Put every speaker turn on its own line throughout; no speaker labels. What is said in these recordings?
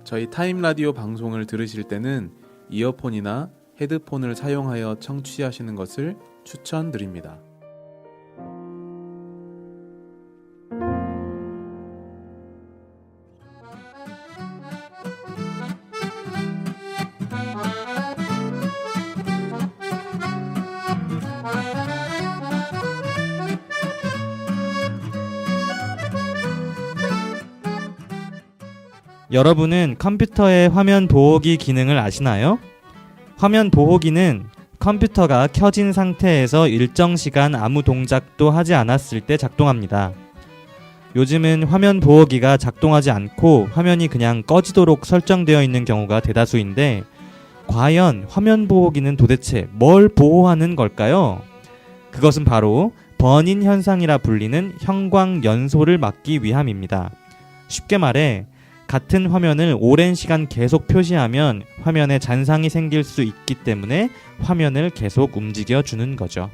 저희 타임 라디오 방송을 들으실 때는 이어폰이나 헤드폰을 사용하여 청취하시는 것을 추천드립니다.
여러분은 컴퓨터의 화면 보호기 기능을 아시나요? 화면 보호기는 컴퓨터가 켜진 상태에서 일정 시간 아무 동작도 하지 않았을 때 작동합니다. 요즘은 화면 보호기가 작동하지 않고 화면이 그냥 꺼지도록 설정되어 있는 경우가 대다수인데 과연 화면 보호기는 도대체 뭘 보호하는 걸까요? 그것은 바로 버닌 현상이라 불리는 형광 연소를 막기 위함입니다. 쉽게 말해 같은 화면을 오랜 시간 계속 표시하면 화면에 잔상이 생길 수 있기 때문에 화면을 계속 움직여주는 거죠.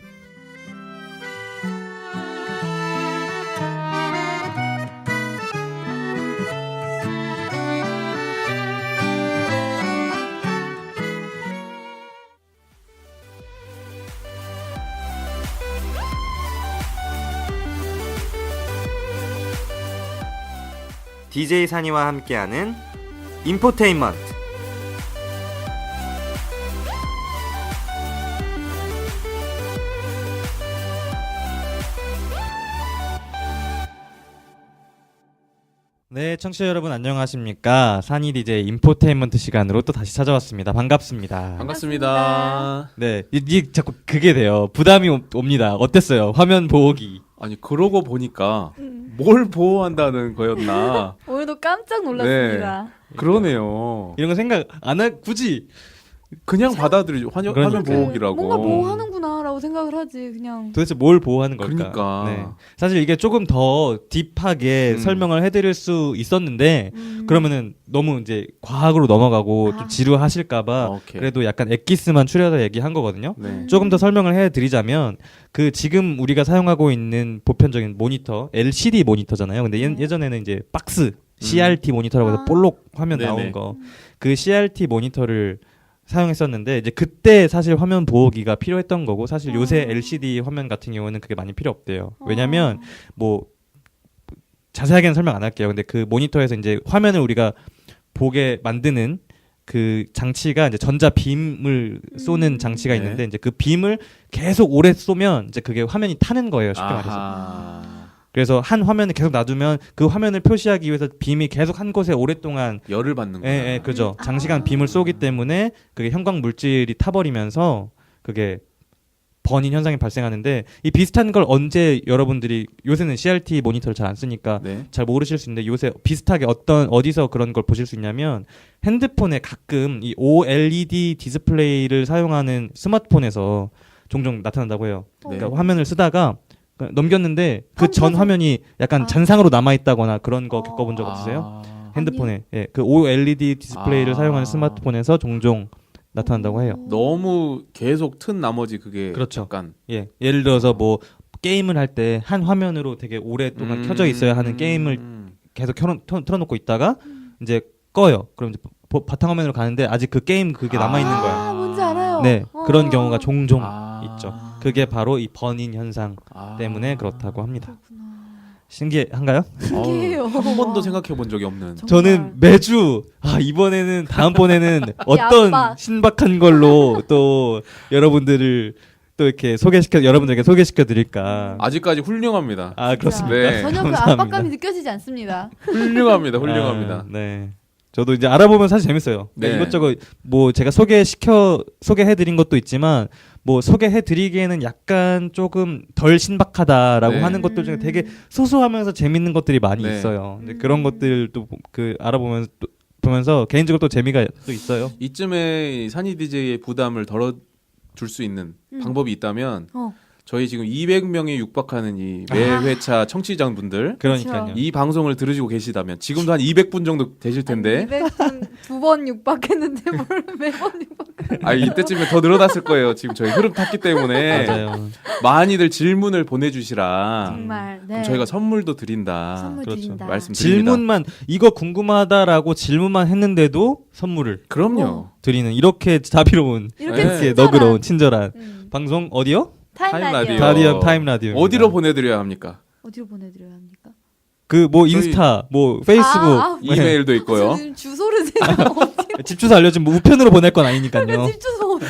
DJ 산이와 함께하는 인포테인먼트. 네, 청취자 여러분 안녕하십니까? 산이 DJ 인포테인먼트 시간으로 또 다시 찾아왔습니다. 반갑습니다.
반갑습니다.
네, 이게 자꾸 그게 돼요. 부담이 옵니다. 어땠어요? 화면 보호기.
아니 그러고 보니까 뭘 보호한다는 거였나?
오늘도 깜짝 놀랐습니다.
그러네요.
이런 거 생각 안 할 굳이
그냥 받아들이죠. 화면 보호기라고.
뭔가 보호하는구나라고 생각을 하지 그냥.
도대체 뭘 보호하는 걸까?
그러니까.
네. 사실 이게 조금 더 딥하게 설명을 해드릴 수 있었는데 그러면은 너무 이제 과학으로 넘어가고 좀 지루하실까봐
오케이.
그래도 약간 엑기스만 추려서 얘기한 거거든요.
네.
조금 더 설명을 해드리자면 그 지금 우리가 사용하고 있는 보편적인 모니터 LCD 모니터잖아요. 근데 예전에는 이제 박스 CRT 모니터라고 해서 볼록 화면
네네.
나온 거 그 CRT 모니터를 사용했었는데 이제 그때 사실 화면 보호기가 필요했던 거고 사실 요새 LCD 화면 같은 경우는 그게 많이 필요 없대요. 왜냐면 뭐 자세하게는 설명 안 할게요. 근데 그 모니터에서 이제 화면을 우리가 보게 만드는 그 장치가 이제 전자 빔을 쏘는 장치가
네.
있는데 이제 그 빔을 계속 오래 쏘면 이제 그게 화면이 타는 거예요. 쉽게 말해서.
아하.
그래서 한 화면을 계속 놔두면 그 화면을 표시하기 위해서 빔이 계속 한 곳에 오랫동안
열을 받는구나.
예, 그죠. 장시간 빔을 쏘기 때문에 그게 형광 물질이 타버리면서 그게 버닌 현상이 발생하는데 이 비슷한 걸 언제 여러분들이 요새는 CRT 모니터를 잘 안 쓰니까
네.
잘 모르실 수 있는데 요새 비슷하게 어디서 그런 걸 보실 수 있냐면 핸드폰에 가끔 이 OLED 디스플레이를 사용하는 스마트폰에서 종종 나타난다고 해요.
네.
그러니까 화면을 쓰다가 넘겼는데 그 전 화면이 약간 잔상으로 남아있다거나 그런 거 겪어본 적 없으세요? 핸드폰에 예, 그 OLED 디스플레이를 사용하는 스마트폰에서 종종 나타난다고 해요.
너무 계속 튼 나머지 그게
그렇죠.
약간
예, 예를 들어서 뭐 게임을 할 때 한 화면으로 되게 오랫동안 켜져 있어야 하는 게임을 계속 틀어놓고 있다가 이제 꺼요. 그럼 이제 바탕화면으로 가는데 아직 그 게임 그게 남아 있는 거야.
뭔지 알아요.
네, 그런 경우가 종종
아.
있죠. 그게 바로 이 버닌 현상 때문에 그렇다고 합니다.
그렇구나.
신기한가요?
신기해요.
한 번도 생각해 본 적이 없는.
정말.
저는 매주 이번에는 다음번에는 어떤
압박.
신박한 걸로 또 여러분들을 또 이렇게 여러분들에게 소개시켜 드릴까.
아직까지 훌륭합니다.
그렇습니다.
네.
전혀 그
감사합니다.
압박감이 느껴지지 않습니다.
훌륭합니다. 훌륭합니다.
네. 저도 이제 알아보면 사실 재밌어요.
네.
이것저것 뭐 제가 소개해드린 것도 있지만 뭐 소개해드리기에는 약간 조금 덜 신박하다라고
네.
하는 것들 중에 되게 소소하면서 재밌는 것들이 많이
네.
있어요. 근데 그런 것들도 보면서 개인적으로 또 재미가 또 있어요.
이쯤에 산이 DJ의 부담을 덜어줄 수 있는 방법이 있다면 저희 지금 200명에 육박하는 이 매회차 청취자분들
그러니까요.
이 방송을 들으시고 계시다면 지금도 한 200분 정도 되실 텐데
200분 두 번 육박했는데 뭘 매번 육박?
이때쯤에 더 늘어났을 거예요. 지금 저희 흐름 탔기 때문에
맞아요.
많이들 질문을 보내주시라.
정말. 네.
그럼 저희가 선물도 드린다.
선물
그렇죠.
드린다.
말씀드립니다.
질문만 이거 궁금하다라고 질문만 했는데도 선물을
그럼요.
드리는 이렇게 자비로운
이렇게
네.
이렇게
친절한.
너그러운 친절한
음.
방송 어디요?
타임
타임
라디오.
라디오.
다리엄 타임 라디오.
어디로 보내드려야 합니까?
어디로 보내드려야 합니까?
그 뭐
저희-
인스타, 뭐 페이스북, 네.
이메일도 있고요.
지금 주소를 제가 어디?
집 주소 알려주면 뭐 우편으로 보낼 건 아니니까요.
집 주소 어디?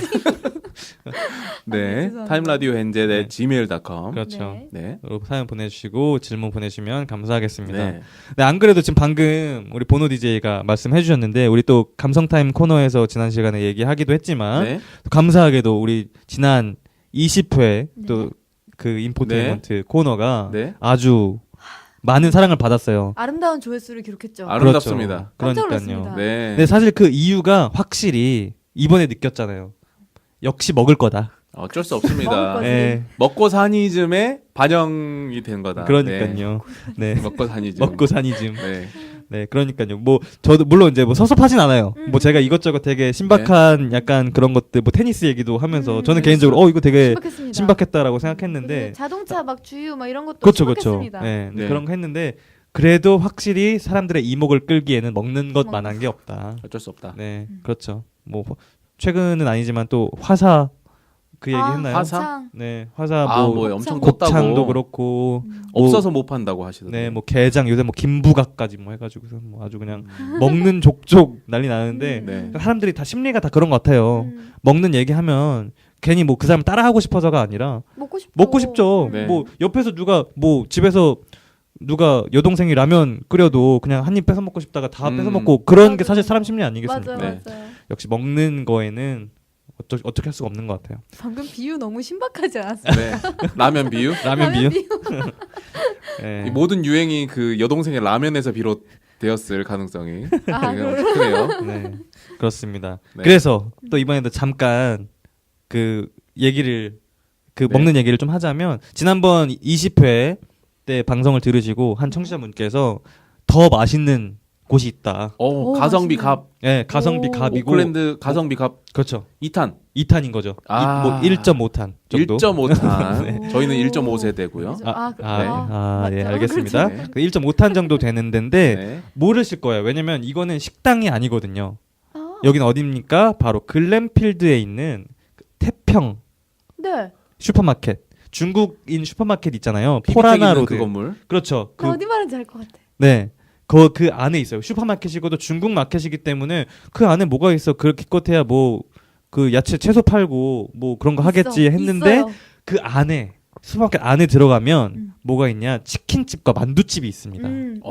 네,
죄송합니다.
타임라디오hen제
네.
gmail.com.
그렇죠.
네.
네.
사연 보내주시고 질문 보내주시면 감사하겠습니다.
네.
네, 안 그래도 지금 방금 우리 보노 DJ가 말씀해 주셨는데 우리 또 감성타임 코너에서 지난 시간에 얘기하기도 했지만
네.
또 감사하게도 우리 지난 20회
네.
또 그 인포테인먼트 코너가
네.
아주 많은 사랑을 받았어요.
아름다운 조회수를 기록했죠.
아름답습니다.
깜짝
그러니까요.
놀랐습니다.
네.
근데 사실 그 이유가 확실히 이번에 느꼈잖아요. 역시 먹을 거다.
어쩔 수
먹을
없습니다.
거지.
네,
먹고 사니즘에 반영이 된 거다.
그러니까요. 네.
네. 먹고 사니즘.
먹고 사니즘.
네.
네, 그러니까요. 뭐 저도 물론 이제 뭐 섭섭하진 않아요. 뭐 제가 이것저것 되게 신박한 약간 그런 것들, 뭐 테니스 얘기도 하면서 저는 개인적으로 이거 되게
신박했습니다.
신박했다라고
그리고
생각했는데,
자동차 막 주유 막 이런 것도
그렇죠, 그렇죠.
신박했습니다.
네,
네.
그런 거 했는데 그래도 확실히 사람들의 이목을 끌기에는 먹는
먹는
것만한 게 없다.
어쩔 수 없다.
네, 그렇죠. 뭐 최근은 아니지만 또 화사 그 얘기
아,
했나요?
화사?
곱창.
네, 화사
아,
뭐
뭐 엄청
곱창도
컸다고.
그렇고
음.
뭐
없어서 못 판다고 하시던데.
네, 뭐 게장 요새 뭐 김부각까지 뭐 해가지고서 뭐 아주 그냥 먹는 족족 난리 나는데
네.
사람들이 다 심리가 다 그런 것 같아요. 먹는 얘기하면 괜히 뭐 그 사람 따라하고 싶어서가 아니라
먹고 싶죠.
먹고 싶죠.
네.
뭐 옆에서 누가 뭐 집에서 누가 여동생이 라면 끓여도 그냥 한 입 뺏어 먹고 싶다가 다 뺏어 먹고 그런 게
맞아요.
사실 사람 심리 아니겠습니까?
맞아요,
네.
맞아요.
역시 먹는 거에는 어떻게 할 수가 없는 것 같아요.
방금 비유 너무 신박하지 않았어요?
네. 라면 비유?
라면 비유? 네.
이 모든 유행이 그 여동생의 라면에서 비롯되었을 가능성이
아,
되게 엄청 크네요.
네, 그렇습니다.
네.
그래서 또 이번에도 잠깐 그 얘기를
네.
먹는 얘기를 좀 하자면 지난번 20회 때 방송을 들으시고 한 청취자분께서 더 맛있는 곳이 있다.
오,
오,
가성비
맛있네.
갑.
네, 가성비
오.
갑이고
오클랜드 가성비 갑
그렇죠.
2탄.
2탄인 거죠.
아.
뭐 1.5탄 정도.
1.5탄.
네.
저희는
오.
1.5세대고요.
맞죠.
예,
맞죠.
알겠습니다.
그렇죠.
그 1.5탄 정도 되는 데인데
네.
모르실 거예요. 왜냐면 이거는 식당이 아니거든요.
아,
여기는 어디입니까? 바로 글램필드에 있는 그 태평
네.
슈퍼마켓. 중국인 슈퍼마켓 있잖아요.
PB택
포라나
있는
로드.
그 건물.
그렇죠.
나 어디 말인지 알 것 같아.
네. 그 안에 있어요. 슈퍼마켓이고도 중국 마켓이기 때문에 그 안에 뭐가 있어. 그렇게 기껏해야 뭐 그 야채 채소 팔고 뭐 그런 거 하겠지 했는데
있어요.
그 안에 슈퍼마켓 안에 들어가면
음.
뭐가 있냐? 치킨집과 만두집이 있습니다.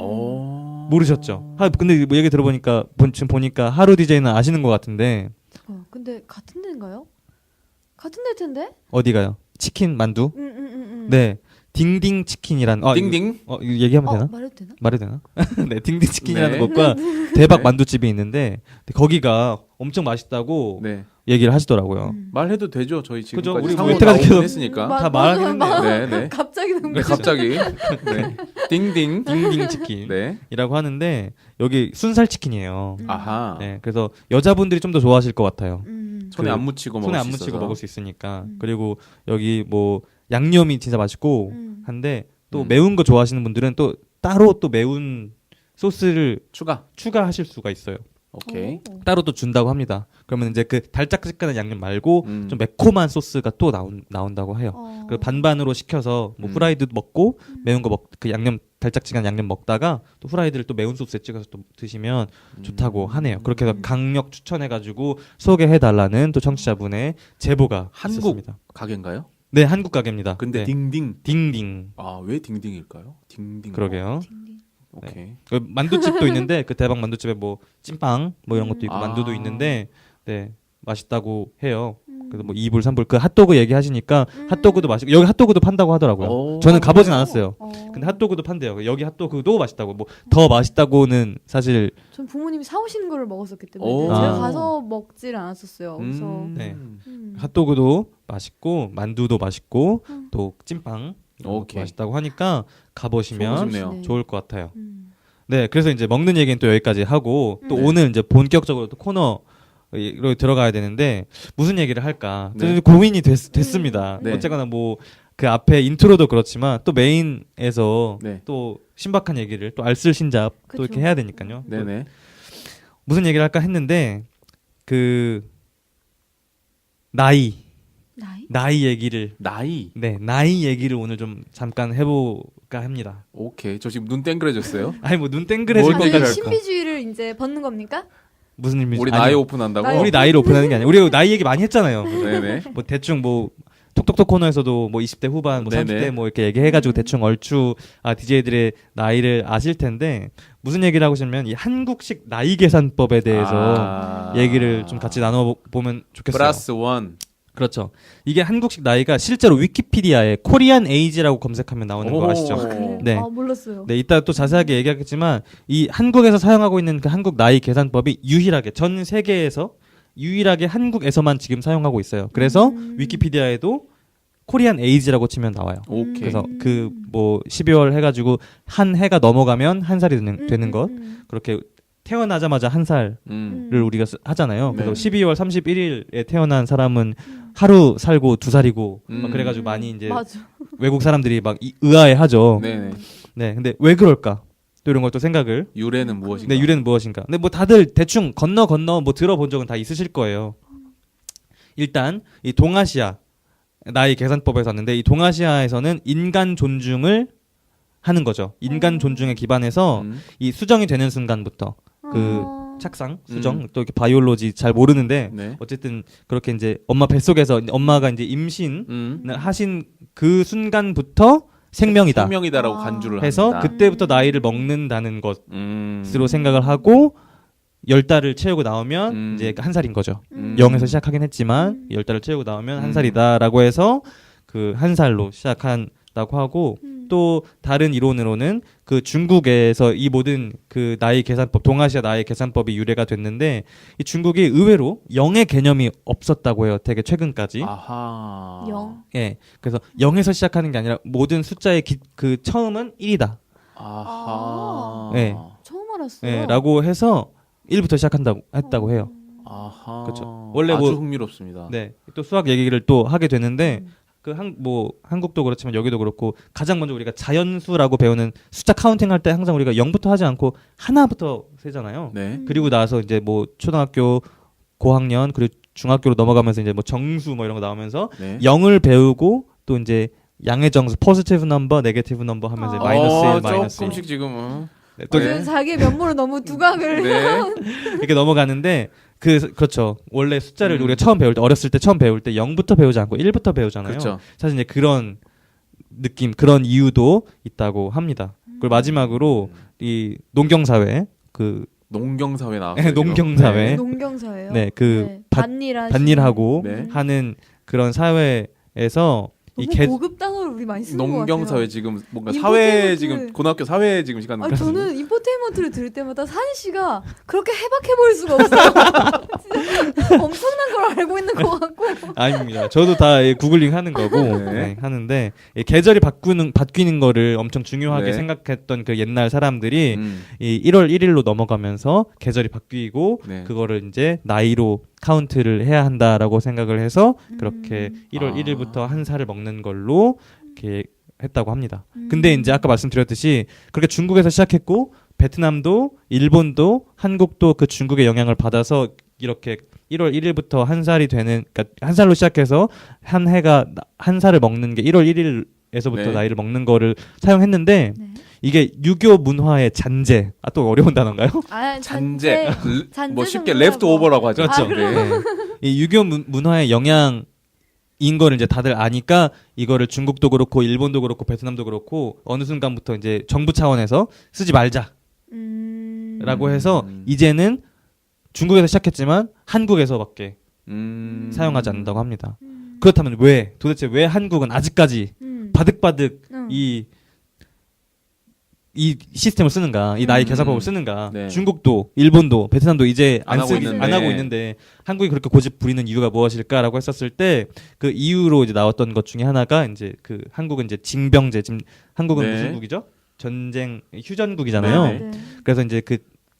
오.
모르셨죠? 근데 뭐 얘기 들어보니까 지금 보니까 하루 DJ는 아시는 것 같은데
근데 같은 데인가요? 같은 데일 텐데?
어디가요? 치킨 만두?
네.
네. 딩딩 치킨이란
딩딩.
이거 얘기하면 되나?
말해도 되나?
말해도 되나? 네, 딩딩 치킨이라는
네.
곳과 대박
네.
만두집이 있는데 거기가 엄청 맛있다고
네.
얘기를 하시더라고요.
말해도 되죠. 저희
그죠?
지금까지
우리
상호
여태까지
나오긴
계속
했으니까.
다 말하긴 했네요.
네, 네.
갑자기
네, 갑자기. 네. 딩딩.
딩딩 치킨이라고
네.
하는데 여기 순살 치킨이에요.
아하.
네, 그래서 여자분들이 좀 더 좋아하실 것 같아요.
손에 안 묻히고 먹을
손에 안
수
묻히고
있어서.
먹을 수 있으니까. 그리고 여기 뭐 양념이 진짜 맛있고 한데 또
음.
매운 거 좋아하시는 분들은 또 따로 또 매운 소스를
추가.
추가하실 수가 있어요.
오케이.
따로 또 준다고 합니다. 그러면 이제 그 달짝지근한 양념 말고
음.
좀 매콤한 소스가 또 나온다고 해요. 그 반반으로 시켜서 뭐 후라이드 먹고 매운 거 그 양념 달짝지근한 양념 먹다가 또 후라이드를 또 매운 소스에 찍어서 또 드시면 좋다고 하네요. 그렇게 해서 강력 추천해가지고 소개해달라는 또 청취자분의 제보가
한국
있었습니다.
가게인가요?
네, 한국 가게입니다.
근데
네.
딩딩.
딩딩.
아, 왜 딩딩일까요? 딩딩.
그러게요.
오케이.
그 만두집도 있는데 그 대박 만두집에 뭐 찐빵 뭐 이런 것도 있고
아.
만두도 있는데 네 맛있다고 해요. 그래서 뭐 2불 3불 그 핫도그 얘기하시니까 핫도그도 맛있고 여기 핫도그도 판다고 하더라고요.
오.
저는 가보진 않았어요. 근데 핫도그도 판대요. 여기 핫도그도 맛있다고 뭐 더 맛있다고는 사실
전 부모님이 사오시는 거를 먹었었기 때문에
오.
제가
아.
가서 먹질 않았었어요. 그래서
네.
음.
핫도그도 맛있고 만두도 맛있고 또 찐빵
오케이.
맛있다고 하니까 가보시면
보고 싶네요.
네.
좋을 것 같아요. 네, 그래서 이제 먹는 얘기는 또 여기까지 하고 또
네.
오늘 이제 본격적으로 또 코너로 들어가야 되는데 무슨 얘기를 할까?
네.
고민이 됐습니다.
네.
어쨌거나 뭐 그 앞에 인트로도 그렇지만 또 메인에서
네.
또 신박한 얘기를 또 알쓸신잡 또
그쵸.
이렇게 해야 되니까요.
네네.
무슨 얘기를 할까 했는데 그 나이 얘기를
나이.
네 나이 얘기를 오늘 좀 잠깐 해볼까 합니다.
오케이. 저 지금 눈 땡그레졌어요.
아니 뭐 눈 땡그레질
뭘
아니
땡그레-
것까지
신비주의를 이제 벗는 겁니까?
무슨 의미지?
우리
아니요.
나이 오픈한다고.
나이
우리 나이를 오픈하는 게 아니야. 우리 나이 얘기 많이 했잖아요.
네네.
뭐 대충 뭐 톡톡톡 코너에서도 뭐 20대 후반, 뭐
네네.
30대 뭐 이렇게 얘기해가지고 대충 얼추 DJ들의 나이를 아실 텐데 무슨 얘기를 하고 싶으면 이 한국식 나이 계산법에 대해서 얘기를 좀 같이 나눠보면 좋겠어요.
플러스 원.
그렇죠. 이게 한국식 나이가 실제로 위키피디아에 코리안 에이지라고 검색하면 나오는 거
오.
아시죠?
그래요?
네.
몰랐어요.
네, 이따 또 자세하게 얘기하겠지만 이 한국에서 사용하고 있는 그 한국 나이 계산법이 유일하게 전 세계에서 유일하게 한국에서만 지금 사용하고 있어요. 그래서 위키피디아에도 코리안 에이지라고 치면 나와요.
오케이.
그래서 그 뭐 12월 해가지고 한 해가 넘어가면 한 살이 되는 것 그렇게 태어나자마자 한 살을 우리가 하잖아요.
네.
그래서 12월 31일에 태어난 사람은 하루 살고 2살이고 막 그래가지고 많이 이제
맞아.
외국 사람들이 막 의아해하죠.
네네.
네, 근데 왜 그럴까? 또 이런 걸 또 생각을.
유래는 무엇인가?
네, 유래는 무엇인가? 근데 뭐 다들 대충 건너 뭐 들어본 적은 다 있으실 거예요. 일단 이 동아시아 나이 계산법에서 왔는데 이 동아시아에서는 인간 존중을 하는 거죠. 인간 존중에 기반해서 이 수정이 되는 순간부터 그 착상, 수정, 또 이렇게 바이올로지 잘 모르는데
네.
어쨌든 그렇게 이제 엄마 뱃속에서 엄마가 이제 임신을 하신 그 순간부터 생명이다.
생명이다라고 간주를
해서
합니다.
그때부터 나이를 먹는다는 것으로 생각을 하고 10달을 채우고 나오면 이제 한 살인 거죠. 0에서 시작하긴 했지만 10달을 채우고 나오면 한 살이다라고 해서 그 한 살로 시작한다고 하고 또 다른 이론으로는 그 중국에서 이 모든 그 나이 계산법, 동아시아 나이 계산법이 유래가 됐는데 이 중국이 의외로 0의 개념이 없었다고 해요. 되게 최근까지.
아하.
0.
예. 그래서 0에서 시작하는 게 아니라 모든 숫자의 그 처음은 1이다.
아하.
네.
처음 알았어요.
예, 라고 해서 1부터 시작한다고 했다고 해요.
아하.
그렇죠. 원래
아주
뭐-
흥미롭습니다.
네. 또 수학 얘기를 또 하게 되는데 그 뭐 한국도 그렇지만 여기도 그렇고 가장 먼저 우리가 자연수라고 배우는 숫자 카운팅 할 때 항상 우리가 0부터 하지 않고 하나부터 세잖아요.
네.
그리고 나서 이제 뭐 초등학교 고학년 그리고 중학교로 넘어가면서 이제 뭐 정수 뭐 이런 거 나오면서
네.
0을 배우고 또 이제 양의 정수 포지티브 넘버, 네게티브 넘버 하면서 마이너스 1, 마이너스 1.
조금씩 지금
네, 또
저는 자기의 면모를 너무 두각을
네.
이렇게 넘어가는데 그렇죠. 원래 숫자를 우리가 처음 배울 때 어렸을 때 처음 배울 때 0부터 배우지 않고 1부터 배우잖아요.
그렇죠.
사실 이제 그런 느낌, 그런 이유도 있다고 합니다. 그리고 마지막으로 이 농경사회 그
농경사회 나왔어요.
농경사회.
지금.
농경사예요.
네, 그 반일하고
네.
하는 그런 사회에서 이
너무 고급 단어를 우리 많이
네.
쓰는 것 같아요.
농경사회 지금 뭔가 사회
인포테인먼트.
지금 고등학교 사회 지금 시간
아니, 저는 인포테인먼트를 들을 때마다 산희 씨가 그렇게 해박해 보일 수가 없어요. 진짜 엄청난 걸 알고 있는 것 같고.
아닙니다. 저도 다 구글링 하는 거고
네.
네, 하는데 이 계절이 바뀌는 거를 엄청 중요하게
네.
생각했던 그 옛날 사람들이
음.
이 1월 1일로 넘어가면서 계절이 바뀌고
네.
그거를 이제 나이로 카운트를 해야 한다라고 생각을 해서 그렇게 1월
아.
1일부터 한 살을 먹는 걸로 이렇게 했다고 합니다. 근데 이제 아까 말씀드렸듯이 그렇게 중국에서 시작했고 베트남도 일본도 한국도 그 중국의 영향을 받아서 이렇게 1월 1일부터 한 살이 되는 그러니까 한 살로 시작해서 한 해가 한 살을 먹는 게 1월 1일에서부터
네.
나이를 먹는 거를 사용했는데
네.
이게 유교 문화의 잔재. 또 어려운 단어인가요?
아,
잔재.
잔재
뭐 쉽게
정도라고.
레프트 오버라고 하죠.
그렇죠.
네.
이 유교 문화의 영향인 거를 이제 다들 아니까 이거를 중국도 그렇고 일본도 그렇고 베트남도 그렇고 어느 순간부터 이제 정부 차원에서 쓰지 말자라고 해서 이제는 중국에서 시작했지만 한국에서밖에 사용하지 않는다고 합니다. 그렇다면 도대체 왜 한국은 아직까지 바득바득 이 이 시스템을 쓰는가, 이 나이 계산법을 쓰는가.
네.
중국도, 일본도, 베트남도 이제
안 하고
있는데.
안 하고 있는데 한국이 그렇게 고집 부리는 이유가 무엇일까라고 했었을 때 그 이유로 이제 나왔던 것 중에 하나가 이제 그 한국은 이제 징병제, 지금 한국은
네.
무슨 국이죠? 전쟁 휴전국이잖아요.
네.
네.
그래서 이제 그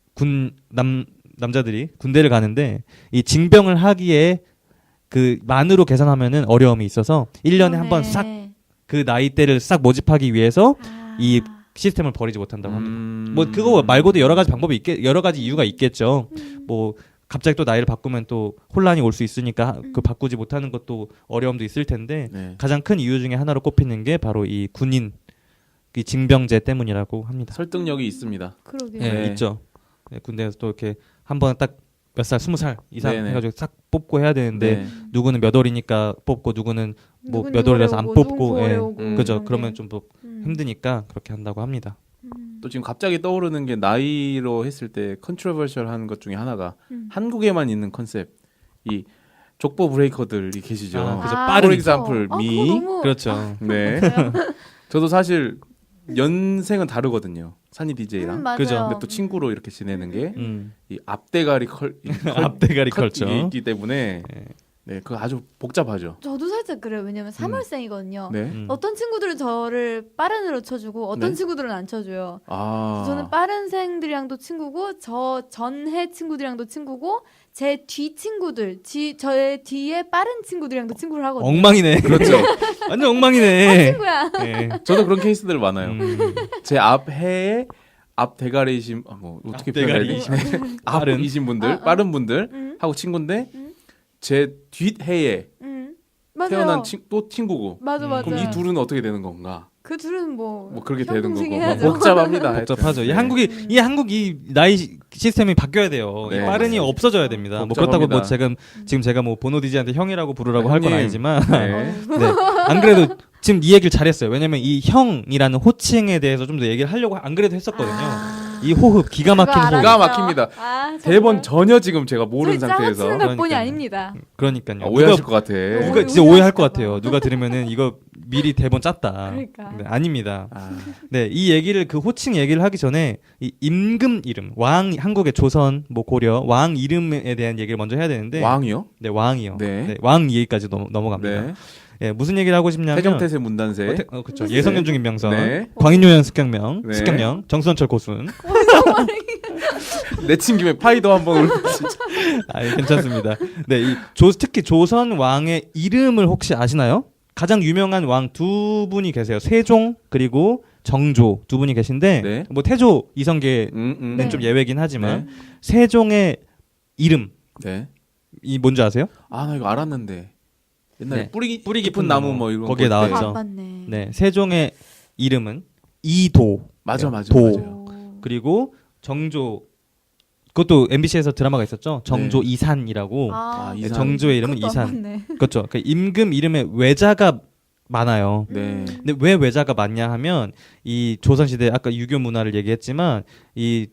남자들이 군대를 가는데 이 징병을 하기에 그 만으로 계산하면은 어려움이 있어서 1년에 한 번 싹 그 나이대를 싹 모집하기 위해서 이 시스템을 버리지 못한다고 합니다. 뭐 그거 말고도 여러 가지 방법이 여러 가지 이유가 있겠죠. 뭐 갑자기 또 나이를 바꾸면 또 혼란이 올 수 있으니까 그 바꾸지 못하는 것도 어려움도 있을 텐데
네.
가장 큰 이유 중에 하나로 꼽히는 게 바로 이 군인 이 징병제 때문이라고 합니다.
설득력이 있습니다.
그러게요.
예,
네.
있죠. 예, 군대에서 또 이렇게 한 번 딱 몇 살, 20살 이상
네네.
해가지고 싹 뽑고 해야 되는데
네.
누구는 몇 월이니까 뽑고 누구는 뭐
누군
몇 월이라서 안
누구를 오고,
뽑고,
누군
예.
구월에 오고
그죠.
이런
그러면
게.
좀 뭐 힘드니까 그렇게 한다고 합니다.
또 지금 갑자기 떠오르는 게 나이로 했을 때 컨트로버셜한 것 중에 하나가 한국에만 있는 컨셉 이 족보 브레이커들이 계시죠.
아, 그죠.
아,
빠른
For example,
그거
me.
너무
그렇죠.
네. 저도 사실 연생은 다르거든요. 산이 DJ랑.
맞아요.
그죠.
근데 또 친구로 이렇게 지내는 게 이
음.
앞대가리
앞대가리
컷
컬처.
이게 있기 때문에
예.
네, 그거 아주 복잡하죠.
저도 살짝 그래요. 왜냐면 3월생이거든요.
네.
어떤 친구들은 저를 빠른으로 쳐주고 어떤
네.
친구들은 안 쳐줘요.
아.
저는 빠른생들이랑도 친구고 저 전해 친구들이랑도 친구고 제 뒤 친구들, 저의 뒤에 빠른 친구들이랑도 친구를 하거든요.
엉망이네.
그렇죠.
완전 엉망이네.
친구야.
예.
저도 그런 케이스들 많아요.
음.
제 앞 해에 앞 대가리이신 뭐 어떻게 표현해야 되지?
빠른.
앞이신 분들, 빠른 분들 하고 친구인데 제 뒷 해에
맞아요.
태어난 또 친구고.
맞아 맞아.
그럼 이 둘은 어떻게 되는 건가?
그 둘은 뭐
그렇게 되는 거고.
형동생해야죠.
복잡합니다.
복잡하죠.
하여튼.
이 한국이 나이 시스템이 바뀌어야 돼요.
네.
이 빠른이 없어져야 됩니다. 뭐
복잡합니다.
그렇다고 뭐 지금 제가 뭐 보노 디지한테 형이라고 부르라고 할 건
형님.
아니지만
네.
네. 안 그래도 지금 이 얘기를 잘했어요. 왜냐면 이 형이라는 호칭에 대해서 좀 더 얘기를 하려고 안 그래도 했었거든요. 이 호흡 기가 막힌
그거
호흡.
기가 막힙니다.
아,
대본 전혀 지금 제가 모르는
저희
상태에서
짜맞추는 것뿐이
그러니까요.
아닙니다.
그러니까요.
오해하실 것 같아.
누가 진짜 오해할 것 같아요. 누가 들으면은 이거 미리 대본 짰다.
그러니까.
네, 아닙니다.
아,
네, 이 얘기를 그 호칭 얘기를 하기 전에 이 임금 이름, 왕 한국의 조선, 뭐 고려 왕 이름에 대한 얘기를 먼저 해야 되는데
왕이요?
네, 왕이요.
네.
네, 왕 얘기까지 넘어갑니다.
네.
예, 무슨 얘기를 하고 싶냐면
태정태세 문단세.
그렇죠. 예성윤 중인명선,
네.
광인요연 습격명,
네.
습격명, 정수원철 고순.
내친 김에 파이도 한번 진짜.
아, 괜찮습니다. 네, 특히 조선 왕의 이름을 혹시 아시나요? 가장 유명한 왕 두 분이 계세요. 세종 그리고 정조 두 분이 계신데
네.
뭐 태조 이성계는
네.
좀 예외긴 하지만 세종의 이름
네.
이 뭔지 아세요?
아, 나 이거 알았는데. 옛날에
네.
뿌리 깊은 나무 뭐 이런
거기에
거 때.
나왔죠.
아, 맞네.
네, 세종의 이름은 이도.
맞아,
네,
맞아,
도.
맞아요.
그리고 정조 그것도 MBC에서 드라마가 있었죠. 정조
네.
이산이라고.
아,
네,
이산.
정조의 이름은
그것도
이산.
안 맞네.
그렇죠. 그 임금 이름에 외자가 많아요.
네.
근데 왜 외자가 많냐 하면 이 조선시대 아까 유교 문화를 얘기했지만 이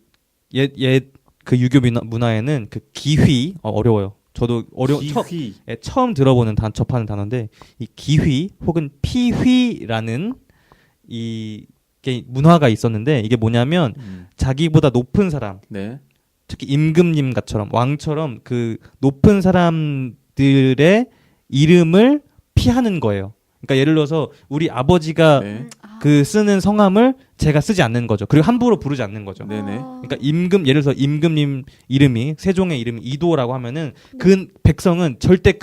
그 유교 문화에는 그 기휘 어려워요. 저도
기휘.
처음 들어보는 접하는 단어인데 이 기휘 혹은 피휘라는 이게 문화가 있었는데 이게 뭐냐면 자기보다 높은 사람
네.
특히 임금님 같처럼 왕처럼 그 높은 사람들의 이름을 피하는 거예요. 그러니까 예를 들어서 우리 아버지가
네.
그 쓰는 성함을 제가 쓰지 않는 거죠. 그리고 함부로 부르지 않는 거죠.
네네.
그러니까 예를 들어서 임금님 이름이 세종의 이름이 이도라고 하면은 그 백성은 절대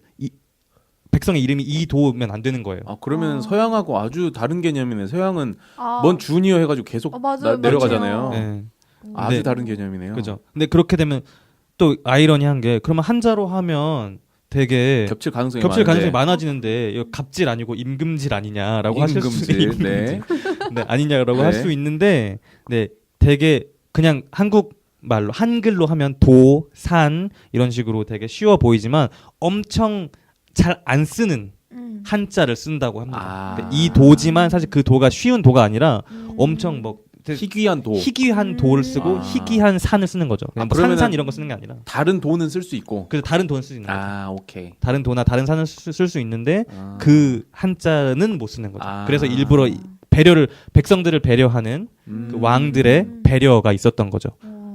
백성의 이름이 이도면 안 되는 거예요.
아, 그러면 서양하고 아주 다른 개념이네. 서양은
아,
뭔 주니어 해가지고 계속
맞아요,
내려가잖아요.
맞아요.
네.
아주
네.
다른 개념이네요.
그죠. 근데 그렇게 되면 또 아이러니한 게 그러면 한자로 하면 되게
겹칠 가능성이
가능성이
많은데.
많아지는데 이거 갑질 아니고 임금질 아니냐라고 하실 수
임금질. 네.
네, 아니냐라고
네.
할 수 있는데 네, 되게 그냥 한국 말로 한글로 하면 도, 산 이런 식으로 되게 쉬워 보이지만 엄청 잘 안 쓰는 한자를 쓴다고 합니다.
아.
그러니까 이 도지만 사실 그 도가 쉬운 도가 아니라 엄청 뭐
희귀한 도.
희귀한 도를 쓰고
아.
희귀한 산을 쓰는 거죠. 그냥 뭐
그러면은
산산 이런 거 쓰는 게 아니라.
다른 도는 쓸 수 있고.
그래서 다른 돈을 쓰는 거죠.
아, 오케이.
다른 도나 다른 산을 쓸 수 있는데
아.
그 한자는 못 쓰는 거죠.
아.
그래서 일부러 배려를 백성들을 배려하는 그 왕들의 배려가 있었던 거죠.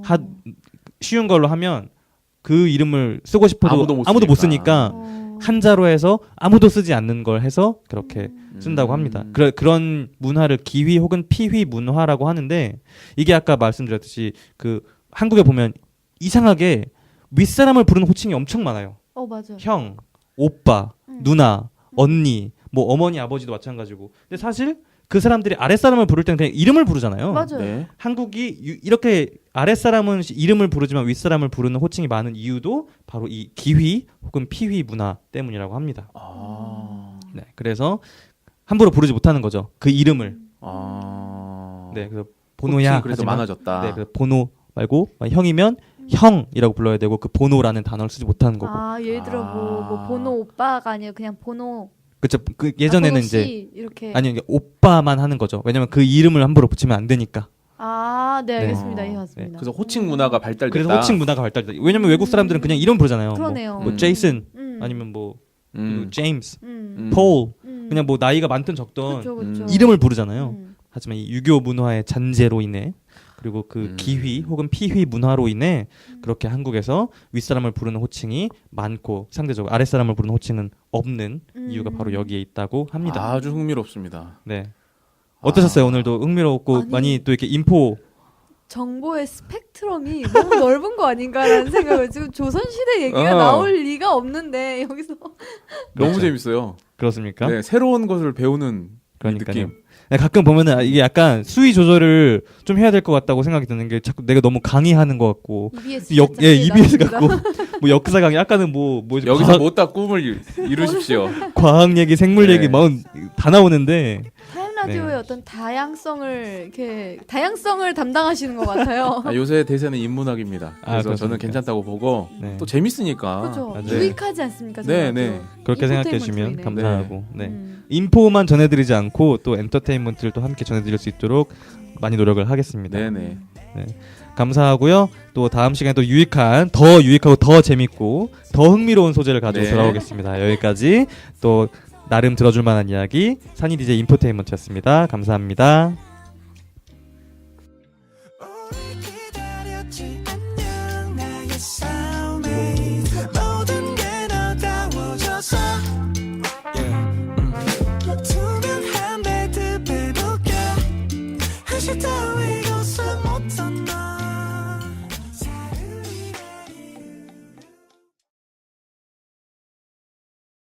쉬운 걸로 하면 그 이름을 쓰고 싶어도 아무도 못 쓰니까 한자로 해서 아무도 쓰지 않는 걸 해서 그렇게 쓴다고 합니다. 그런 문화를 기휘 혹은 피휘 문화라고 하는데 이게 아까 말씀드렸듯이 그 한국에 보면 이상하게 윗사람을 부르는 호칭이 엄청 많아요.
맞아.
형, 오빠, 누나, 언니, 뭐 어머니, 아버지도 마찬가지고. 근데 사실 그 사람들이 아랫사람을 부를 때는 그냥 이름을 부르잖아요.
맞아요.
네.
한국이 이렇게 아랫사람은 이름을 부르지만 윗사람을 부르는 호칭이 많은 이유도 바로 이 기휘 혹은 피휘 문화 때문이라고 합니다. 네, 그래서 함부로 부르지 못하는 거죠. 그 이름을. 네, 그래서 보노야
그래서
하지만,
많아졌다.
네, 그래서 보노 말고 형이면 형이라고 불러야 되고 그 보노라는 단어를 쓰지 못하는 거고.
예를 들어 뭐 보노 오빠가 아니라 그냥 보노.
그렇죠. 그 예전에는
보노
이제
씨 이렇게.
아니 이게 오빠만 하는 거죠. 왜냐면 그 이름을 함부로 붙이면 안 되니까.
네, 알겠습니다. 이해했습니다.
그래서 호칭 문화가 발달됐다.
그래서 호칭 문화가 발달됐다. 왜냐면 외국 사람들은 그냥 이름 부르잖아요.
그러네요.
뭐 제이슨 아니면 뭐 제임스, 폴 그냥 뭐 나이가 많든 적든
그쵸.
이름을 부르잖아요. 하지만 이 유교 문화의 잔재로 인해 그리고 그 기휘 혹은 피휘 문화로 인해 그렇게 한국에서 윗사람을 부르는 호칭이 많고 상대적으로 아랫사람을 부르는 호칭은 없는 이유가 바로 여기에 있다고 합니다.
아주 흥미롭습니다.
네. 어떠셨어요? 오늘도 흥미롭고 많이 또 이렇게 인포
정보의 스펙트럼이 너무 넓은 거 아닌가라는 생각을 지금 조선시대 얘기가 나올 리가 없는데 여기서
너무
그렇죠.
재밌어요.
그렇습니까?
네, 새로운 것을 배우는
그러니까요.
느낌.
네, 가끔 보면은 이게 약간 수위 조절을 좀 해야 될 것 같다고 생각이 드는 게 자꾸 내가 너무 강의하는 것 같고
EBS
EBS 같고 뭐 역사 강의 아까는 뭐
여기서 못다 꿈을 이루십시오.
과학 얘기, 생물
네.
얘기 막 다 나오는데
타임 라디오의
네.
어떤 다양성을 담당하시는 것 같아요.
요새 대세는 인문학입니다. 그래서
그렇습니까?
저는 괜찮다고 보고
네.
또 재밌으니까.
그렇죠.
맞아요.
유익하지 않습니까?
네,
정말
네.
또.
그렇게 생각해
인포테인먼트로
주시면
인해.
감사하고 네. 인포만 전해드리지 않고 또 엔터테인먼트를 또 함께 전해드릴 수 있도록 많이 노력을 하겠습니다.
네네.
감사하고요. 또 다음 시간에 또 더 유익하고 더 재밌고 더 흥미로운 소재를 가지고
네.
돌아오겠습니다. 여기까지 또 나름 들어줄 만한 이야기 산이 DJ 인포테인먼트였습니다. 감사합니다.
오래 기다렸지 안녕 나의